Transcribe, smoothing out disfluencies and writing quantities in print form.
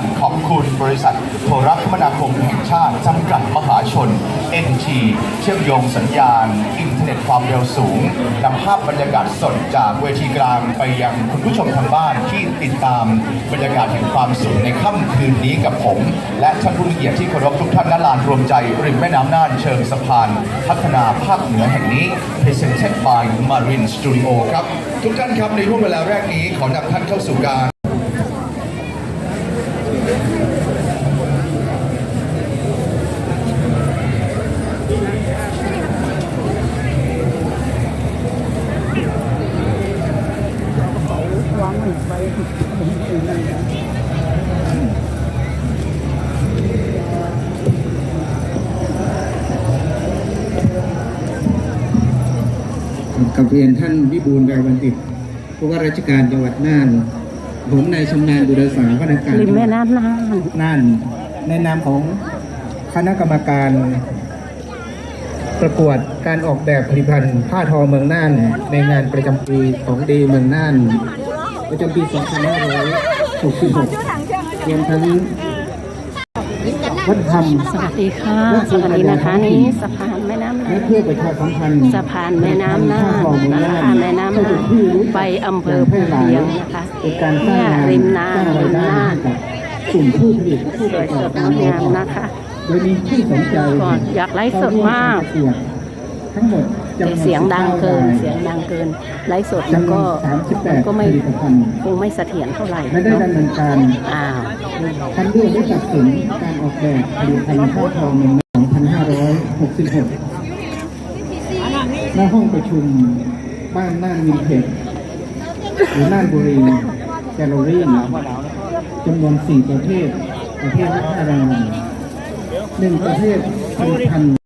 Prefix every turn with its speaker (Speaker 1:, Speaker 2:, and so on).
Speaker 1: ขอบคุณบริษัทโทรคมนาคมแห่งชาติจำกัดมหาชน NT เชื่อมโยงสัญญาณอินเทอร์เน็ตความเร็วสูงนำภาพบรรยากาศสดจากเวทีกลางไปยังคุณผู้ชมทางบ้านที่ติดตามบรรยากาศแห่งความสุขในค่ำคืนนี้กับผมและท่านผู้มีเกียรติที่เคารพทุกท่านณลานรวมใจริมแม่น้ำน่านเชิงสะพานพัฒนาภาคเหนือแห่งนี้ Presented by Marine Studio ครับทุกท่านครับในช่วงเวลาแรกนี้ขอนำท่านเข้าสู่การ
Speaker 2: กับเรียนท่านวิบูลย์ แววบัณฑิตผู้ว่าราชการจังหวัดน่านผมนายชำนาญบุรษาว่าการ
Speaker 3: ริมแม่น้ำ
Speaker 2: น่านในนามของคณะกรรมการประกวดการออกแบบผลิตภัณฑ์ผ้าทอเมืองน่านในงานประจำปีของดีเมืองน่านประจำปี 2566รวมทั้งวัฒนธรรม
Speaker 3: สวัสดีค่ะสวัสดีนะคะนี่สะพานแม่น้ำน่า
Speaker 2: และ
Speaker 3: น
Speaker 2: เพื่อประชาสัมพันธ์
Speaker 3: สะพานแม่น้ำน่านนะคะแม่น้ำน่านไปอำเภอภูเพียงนะคะ
Speaker 2: เป็นการสร้าง
Speaker 3: เนี่ย
Speaker 2: งาน
Speaker 3: ริมน้ำริมน่าน
Speaker 2: กับกลุ่มผู้ผลิตผู้
Speaker 3: ส
Speaker 2: ป
Speaker 3: วย
Speaker 2: ระก
Speaker 3: ส
Speaker 2: อบ
Speaker 3: ด
Speaker 2: การ
Speaker 3: งามนะคะ
Speaker 2: โดยมีผู้สนใจ
Speaker 3: ก่อนอยากไลฟ์สดมาก
Speaker 2: ทั้งหมด
Speaker 3: แต่เสียงดังเกินเสียงดังเกินไลฟ์สดมันก็ไม่
Speaker 2: ผลิตภัณฑ์
Speaker 3: คงไม่เสถียรเท่าไหร่
Speaker 2: และได้
Speaker 3: เนาะ
Speaker 2: ดำเนินการ
Speaker 3: อ้าว
Speaker 2: คัดเลือกและตัดสินการออกแบบผลิตภัณฑ์ผ้าทอเมือง2566ณห้องประชุมบ้านน่านวินเทจหรือน่านบุรีแกลเลอรี่จำนวน4 ประเภทละ5 รางวัล1 ประเภทผลิตภัณฑ์